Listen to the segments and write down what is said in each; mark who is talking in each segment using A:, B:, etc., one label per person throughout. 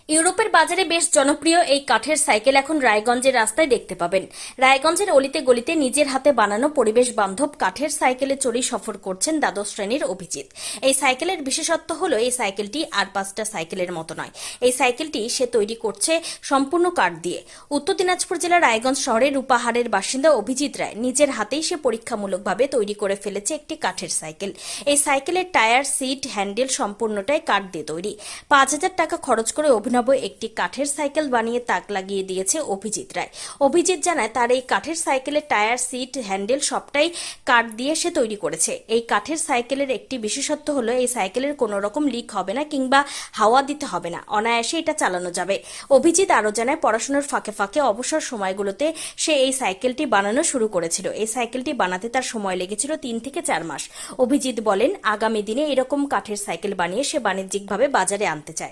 A: ইউরোপের বাজারে বেশ জনপ্রিয় এই কাঠের সাইকেল এখন রায়গঞ্জের রাস্তায় দেখতে পাবেন। রায়গঞ্জের অলিতে গলিতে নিজের হাতে বানানো পরিবেশ বান্ধব কাঠের সাইকেলে চড়ে সফর করছেন দ্বাদশ শ্রেণীর অভিজিৎ। এই সাইকেলের বিশেষত্ব হলো এই সাইকেলটি আর 5টা সাইকেলের মতো নয়। এই সাইকেলটি সে তৈরি করছে সম্পূর্ণ কাঠ দিয়ে। উত্তর দিনাজপুর জেলার রায়গঞ্জ শহরের রূপাহারের বাসিন্দা অভিজিৎ রায় নিজের হাতেই সে পরীক্ষামূলকভাবে তৈরি করে ফেলেছে একটি কাঠের সাইকেল। এই সাইকেলের টায়ার, সিট, হ্যান্ডেল সম্পূর্ণটাই কাঠ দিয়ে তৈরি। 5,000 টাকা খরচ করে অভিনব একটি কাঠের সাইকেল বানিয়ে তাক লাগিয়ে দিয়েছে অভিজিৎ রায়। অভিজিৎ জানায় তার এই কাঠের সাইকেলের টায়ার, সিট, হ্যান্ডেল সবটাই কাঠ দিয়ে সে তৈরি করেছে। এই কাঠের সাইকেলের একটি বিশেষত্ব হলো এই সাইকেলের কোনো রকম লিক হবে না কিংবা হাওয়া দিতে হবে না, অনায়াসে এটা চালানো যাবে। অভিজিৎ আরো জানায় পড়াশোনার ফাঁকে ফাঁকে অবসর সময়গুলোতে সে এই সাইকেলটি বানানো শুরু করেছিল। এই সাইকেলটি বানাতে তার সময় লেগেছিল 3 থেকে 4 মাস। অভিজিৎ বলেন আগামী দিনে এরকম কাঠের সাইকেল বানিয়ে সে বাণিজ্যিকভাবে বাজারে আনতে চায়।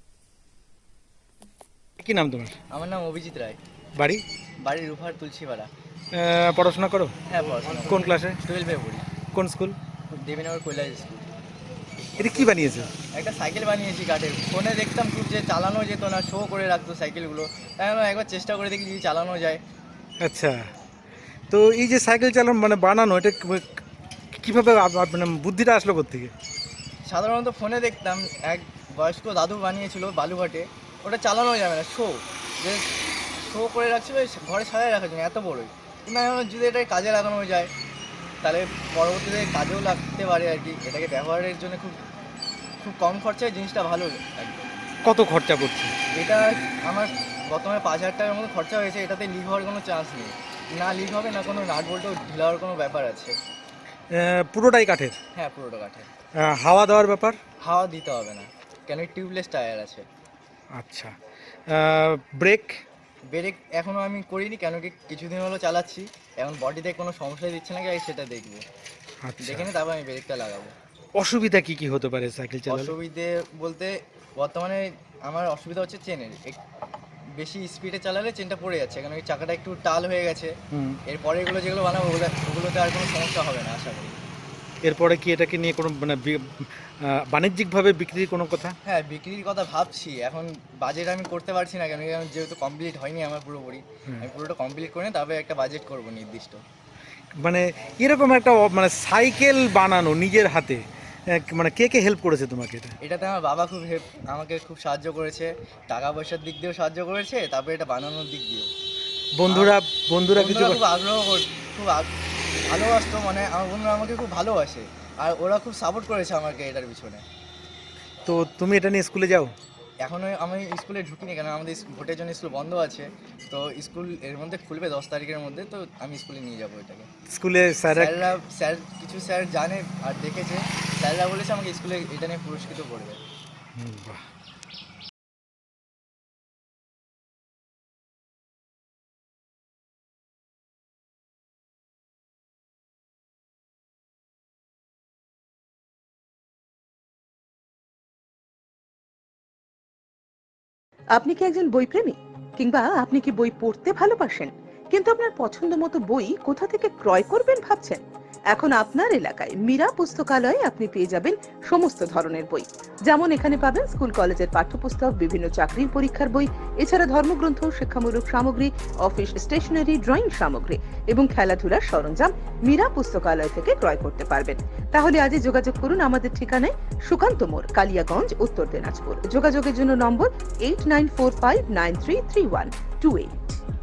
B: কি নাম তোমার?
C: আমার নাম অভিজিৎ রায়।
B: বাড়ি?
C: বাড়ি রূপার তুলসীপাড়া।
B: পড়াশোনা করো?
C: হ্যাঁ, পড়াশোনা
B: কোন ক্লাসে?
C: 12-এ পড়ি।
B: কোন স্কুল?
C: দেবীনগর কৈলাস স্কুল।
B: এটা কি বানিয়েছো?
C: একটা সাইকেল বানিয়েছি কাঠের। ফোনে দেখতাম খুব যে চালানো যেত না, শো করে রাখতো সাইকেলগুলো, তাই আমি একবার চেষ্টা করে দেখি যদি চালানো যায়।
B: আচ্ছা, তো এই যে সাইকেল চালানো মানে বানানো, এটা কিভাবে মানে বুদ্ধিটা আসলো কোত্থেকে?
C: সাধারণত ফোনে দেখতাম এক বয়স্ক দাদু বানিয়েছিল বালুঘাটে, ওটা চালানো যাবে না, যে শো করে রাখছিল ঘরে সাজায় রাখার জন্য এত বড়ই। কিন্তু আমি ভাবলাম যদি এটা কাজে লাগানো যায় তাহলে পরবর্তীতে কাজেও লাগতে পারে আর কি। এটাকে ব্যবহারের জন্য খুব খুব কম খরচায় জিনিসটা ভালো লাগবে।
B: কত খরচা পড়ছে?
C: এটা আমার বর্তমানে 5,000 টাকার মতো খরচা হয়েছে। এটাতে লিক হওয়ার কোনো চান্স নেই, না লিক হবে না কোনো নাট বল্টও ঢিলা হওয়ার কোনো ব্যাপার আছে।
B: পুরোটাই কাঠের?
C: হ্যাঁ, পুরোটা কাঠের।
B: হাওয়া দেওয়ার ব্যাপার?
C: হাওয়া দিতে হবে না, কেন টিউবলেস টায়ার আছে।
B: আচ্ছা, ব্রেক?
C: ব্রেক এখনও আমি করিনি, কেন কি কিছুদিন হলো চালাচ্ছি, এখন বডিতে কোনো সমস্যা দিচ্ছে নাকি আগে সেটা দেখবো।
B: আচ্ছা,
C: দেখে নিয়ে তারপর আমি ব্রেকটা লাগাবো।
B: অসুবিধা কি কি হতে পারে সাইকেল চালালে?
C: অসুবিধে বলতে বর্তমানে আমার অসুবিধা হচ্ছে চেনের। বেশি স্পিডে চালালে চেনটা পড়ে যাচ্ছে, কারণ ওই চাকাটা একটু টাল হয়ে গেছে। এরপরে এগুলো যেগুলো বানাবো ওগুলোতে আর কোনো সমস্যা হবে না আশা করি।
B: এরপরে কি এটাকে নিয়ে কোনো মানে বাণিজ্যিকভাবে বিক্রির কোনো কথা?
C: হ্যাঁ, বিক্রির কথা ভাবছি। এখন বাজেট আমি করতে পারছি না, কেন কি আমার যেহেতু কমপ্লিট হয়নি আমার পুরোপুরি। আমি পুরোটা কমপ্লিট করে তারপরে একটা বাজেট করব নির্দিষ্ট।
B: মানে এরকম একটা মানে সাইকেল বানানো নিজের হাতে, মানে কে কে হেল্প করেছে তোমাকে এটা?
C: এটাতে আমার বাবা আমাকে খুব সাহায্য করেছে, টাকা পয়সার দিক দিয়েও সাহায্য করেছে, তারপরে এটা বানানোর দিক দিয়েও।
B: বন্ধুরা বন্ধুরা কিছু
C: খুব ভালোবাসতো, মানে আমার বন্ধুরা আমাকে খুব ভালোবাসে, আর ওরা খুব সাপোর্ট করেছে আমাকে এটার পিছনে।
B: তো তুমি এটা নিয়ে স্কুলে যাও?
C: এখনও আমি স্কুলে ঢুকিনি, কেন আমাদের ভোটের জন্য স্কুল বন্ধ আছে। তো স্কুল এর মধ্যে খুলবে 10 তারিখের মধ্যে, তো আমি স্কুলে নিয়ে যাবো এটাকে।
B: স্কুলে
C: কিছু স্যার জানে আর দেখেছে, স্যাররা বলেছে আমাকে স্কুলে এটা নিয়ে পুরস্কৃত করবে।
B: বাহ।
D: আপনি কি একজন বইপ্রেমী, কিংবা আপনি কি বই পড়তে ভালোবাসেন কিন্তু আপনার পছন্দ মতো বই কোথা থেকে ক্রয় করবেন ভাবছেন? এখন আপনার এলাকায় মীরা পুস্তকালয়ে আপনি পেয়ে যাবেন সমস্ত ধরনের বই। যেমন এখানে পাবেন স্কুল কলেজের পাঠ্যপুস্তক, বিভিন্ন চাকরির পরীক্ষার বই, এছাড়া ধর্মগ্রন্থ, শিক্ষামূলক সামগ্রী, অফিস স্টেশনারি, ড্রয়িং সামগ্রী এবং খেলাধুলার সরঞ্জাম মীরা পুস্তকালয় থেকে ক্রয় করতে পারবেন। তাহলে আজই যোগাযোগ করুন আমাদের ঠিকানায়, সুকান্ত মোড়, কালিয়াগঞ্জ, উত্তর দিনাজপুর। যোগাযোগের জন্য নম্বর 8945933128।